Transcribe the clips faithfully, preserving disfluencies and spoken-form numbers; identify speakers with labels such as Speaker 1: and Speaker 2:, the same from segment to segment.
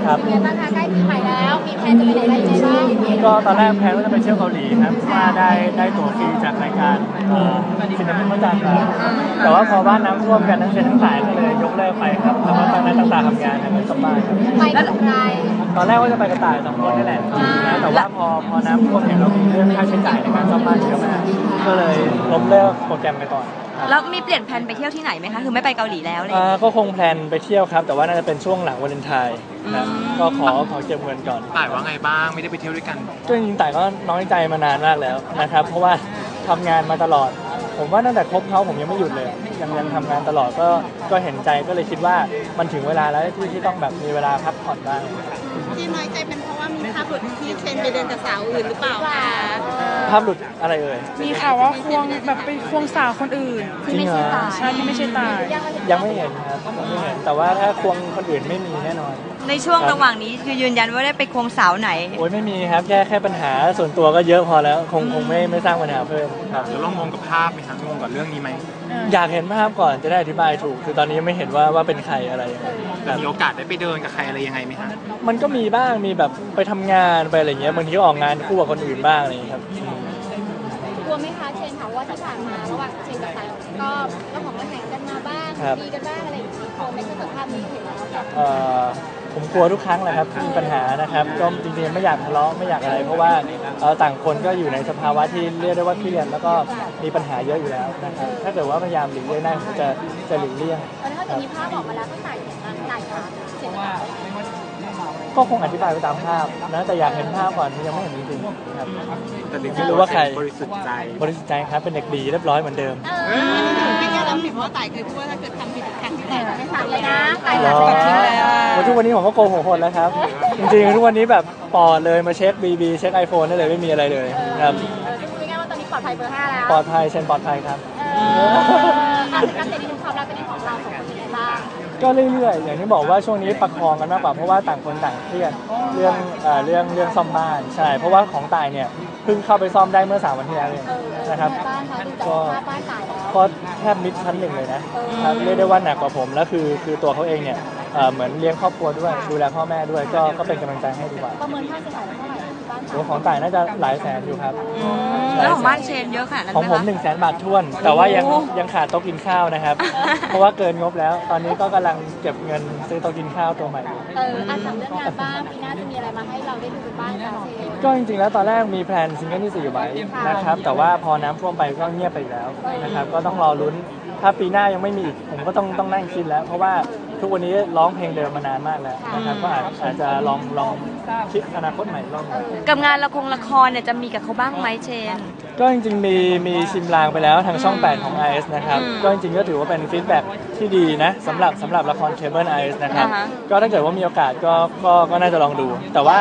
Speaker 1: ครับ
Speaker 2: เป็นไงบ้างคะใกล้ปีใหม่แล้วมีแพลนจะไปไหนอะไรยังไงบ้าง
Speaker 1: ก็ตอนแรกแพลนว่าจะไปเที่ยวเกาหลีครับว่าได้ได้ตั๋วฟรีจากรายการซินเนมิพระจันทร์มาแต่ว่าพอบ้านน้ำท่วมกันทั้งเซนทั้งสายก็เลยยกเลิกไปครับแล้วก็ตอนนั้นต่างๆทำงานในสมบ้านครับ
Speaker 2: ไปกับใคร
Speaker 1: ตอนแรกว่าจะไปกระต่ายสองคนนี่แหละนะแต่ว่าพอพอน้ำท่วมเนี่ยเรามีเรื่องค่าใช้จ่ายในการซ่อมบ้านเยอะมากก็เลยล้มเลิกโปรแกรมไปก่อน
Speaker 3: แล้วมีเปลี่ยนแผนไปเที่ยวที่ไหนไหมคะคือไม่ไปเกาหลีแล้วเลย
Speaker 1: ก็คงแพลนไปเที่ยวครับแต่ว่าน่าจะเป็นช่วงหลังวาเลนไทน์นะก็ขอขอเก็บเงินก่อน
Speaker 4: ต่ายว่าไงบ้างไม่ได้ไปเที่ยวด้วยกัน
Speaker 1: ก็จริงๆต่ายก็น้อยใจมานานมากแล้วนะครับเพราะว่าทำงานมาตลอดผมว่าตั้งแต่คบเขาผมยังไม่หยุดเลยยังยังทำงานตลอดก็ก็เห็นใจก็เลยคิดว่ามันถึงเวลาแล้วที่ที่ต้องแบบมีเวลาพักผ่อนบ้าง
Speaker 2: ที่น้อยใจเป็นเพราะว่ามีภาพหลุดที่เชนไปเดินกับสาวอื่นหรือเปล่าคะ
Speaker 1: ภาพหลุดอะไรเอ่ย
Speaker 5: มีข่าวว่าควงแบบไปควงสาวคนอื่น
Speaker 1: จริงเหรอ
Speaker 5: ใช่ที่ไม่ใช่ตาย
Speaker 1: ยังไม่เห็นครับยังไม่เห็นแต่ว่าถ้าควงคนอื่นไม่มีแน่นอน
Speaker 3: ในช่วงระหว่างนี้คือยืนยันว่าได้ไปควงสาวไหน
Speaker 1: โอ้ยไม่มีครับแค่แค่ปัญหาส่วนตัวก็เยอะพอแล้วคงคงไม่ไม่สร้างปัญหาเพิ่มครับ
Speaker 4: เดี๋ยวลองงงกับภาพไหมครับงงกับเรื่องนี้ไหม
Speaker 1: อยากเห็นภาพก่อนจะได้อธิบายถูกคือตอนนี้ยังไม่เห็นว่าว่าเป็นใครอะไรยังไง
Speaker 4: มีโอกาสได้ไปเดินกับใครอะไรยังไงไหมครับ
Speaker 1: มันก็มีบ้างมีแบบไปทำงานไปอะไรเงี้ยบางทีก็ออกงานคู่กับคนอื่นบ้างอะไรอย่างเงี้ยครับ
Speaker 2: กลัวไหมคะเชนถามว่าที่ผ่านมาระหว่างเชนกับสายก็ก็ของระแหงกันมาบ้างดีกันบ้างอะไรอย่างนี้กลัวไม่ใช่กับภาพนี้เห็นแล้ว
Speaker 1: ผมกลัวทุกครั้งแหละครับที่มีปัญหานะครับก็จริงๆไม่อยากทะเลาะไม่อยากอะไรเพราะว่าต่างคนก็อยู่ในสภาวะที่เรียกได้ว่าเครียดแล้วก็มีปัญหาเยอะอยู่แล้วนะครับถ้าเกิดว่าพยายามหลีกเลี่ยงได้ผมจะจะหลีกเลี่ยง
Speaker 2: ตอนนี้เขาจะมีภาพออกมาแล้วก็ใส่ใส่ขาเสร็จแล้ว
Speaker 1: ก็คงอธิบายไปตามภาพนะแต่อยากเห็นภาพก่อนยังไม่เห็นจริงๆครับ
Speaker 4: แต่
Speaker 1: ไม่รู้ว่าใคร
Speaker 4: บริสุทธิ์ใจ
Speaker 1: บริสุทธิ์ใจครับเป็นเด็กดีเรียบร้อยเหมือนเดิม
Speaker 2: ไม่แค่แล้วผิดเพราะว่าต่ายเคยพูดว่าถ้าเกิดทำผิดครั้งที่ไหนไม่สั่งเลยนะต่าย
Speaker 1: ตัดทิ้งแล้วทุกวันนี้ผมก็โกหกหมดแล้วครับจริงๆทุกวันนี้แบบปอดเลยมาเช็คบีบีเช็คไอโฟนได้เลยไม่มีอะไรเลยครับ
Speaker 2: พูดง่ายๆว่าตอนนี้ปลอดภัยเบอร์ห้าแล้ว
Speaker 1: ปลอดภัยเช่นปลอดภัยครับ
Speaker 2: การเสร็จในความรักเป็นของเราสองคนยังไงบ้าง
Speaker 1: ก็เรื่อยๆอย่างที่บอกว่าช่วงนี้ประคองกันมากกว่าเพราะว่าต่างคนต่างเครียดเรื่องเรื่องเรื่องซ่อมบ้านใช่เพราะว่าของตายเนี่ยเพิ่งเข้าไปซ่อมได้เมื่อสามวันที่แล้วเองนะครับก็ก็แทบมิดชั้นหนึ่งเลยนะเรียกได้ว่าหนักกว่าผมแล้วคือคือตัวเขาเองเนี่ยเหมือนเลี้ยงครอบครัวด้วยดูแลพ่อแม่ด้วยก็ก็เป็นกำลังใจให้ดีกว่า
Speaker 2: ประเมินค่าเสียหายเท่าไหร่
Speaker 1: ตัวของต่ายน่าจะหลายแสนอยู่ครับ
Speaker 3: แล้วของบ้านเชนเยอะขนาดนั้น
Speaker 1: ของผมหนึ่งแสนบาทท้วนแต่ว่ายังยังขาดโต๊ะกินข้าวนะครับเพราะว่าเกินงบแล้วตอนนี้ก็กำลังเก็บเงินซื้อโต๊ะกินข้าวตัวใหม่
Speaker 2: เอออ่ะถามเรื่องงานบ้างปีหน้าจะมีอะไรมาให้เราได้ดูกันบ้างคะเชน
Speaker 1: ก็จริงๆแล้วตอนแรกมีแพลนซิงเกิลที่สี่ไว้นะครับแต่ว่าพอน้ำท่วมไปก็เงียบไปแล้วนะครับก็ต้องรอลุ้นถ้าปีหน้ายังไม่มีอีกผมก็ต้องต้องนั่งคิดแล้วเพราะว่าทุกวันนี้ร้องเพลงเดิมมานานมากแล้วนะครับก็อาจอาจจะลองลองคิดอนาคตใหม่ลอง
Speaker 3: กับงานละครละครเนี่ยจะมีกับเขาบ้างไหมเชน
Speaker 1: ก็จริงๆมีมีชิมลางไปแล้วทางช่องแปดของ ไอ เอส นะครับก็จริงๆก็ถือว่าเป็นฟีดแบ็กที่ดีนะสำหรับสำหรับละครเคเบิล ไอ เอส นะครับก็ถ้าเกิดว่ามีโอกาสก็ก็ก็น่าจะลองดูแต่ว่า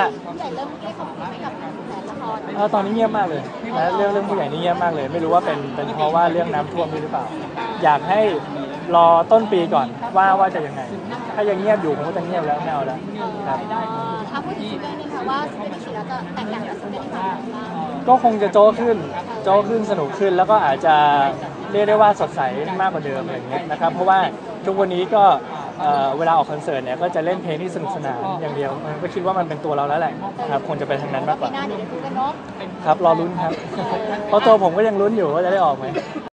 Speaker 1: ตอนนี้เงียบมากเลยนะเรื่องเรื่องผู้ใหญ่นี่เงียบมากเลยไม่รู้ว่าเป็นเป็นเพราะว่าเรื่องน้ำท่วมหรือเปล่าอยากให้รอต้นปีก่อนว่าว่าจะยังไงถ้ายังเงียบอยู่ผมก็จะเงียบแล้วไม่เอาแล้วครับ
Speaker 2: ถ้าพูดถึงเรื่องนี้ค่ะว่าสเปนชีแล้วจะแตกต่างจากสเปนที่ผ่านมา
Speaker 1: ก็คงจะโจ้ขึ้นโจ้ขึ้นสนุกขึ้นแล้วก็อาจจะเรียกได้ว่าสดใสมากกว่าเดิมอะไรอย่างเงี้ยนะครับเพราะว่าทุกวันนี้ก็เวลาออกคอนเสิร์ตเนี่ยก็จะเล่นเพลงที่สนุกสนานอย่างเดียวก็คิดว่ามันเป็นตัวเราแล้วแหละครับคงจะเป็นทางนั้นมากกว่าครับรอลุ้นครับเพราะตัวผมก็ยังลุ้นอยู่ว่าจะได้ออกไหม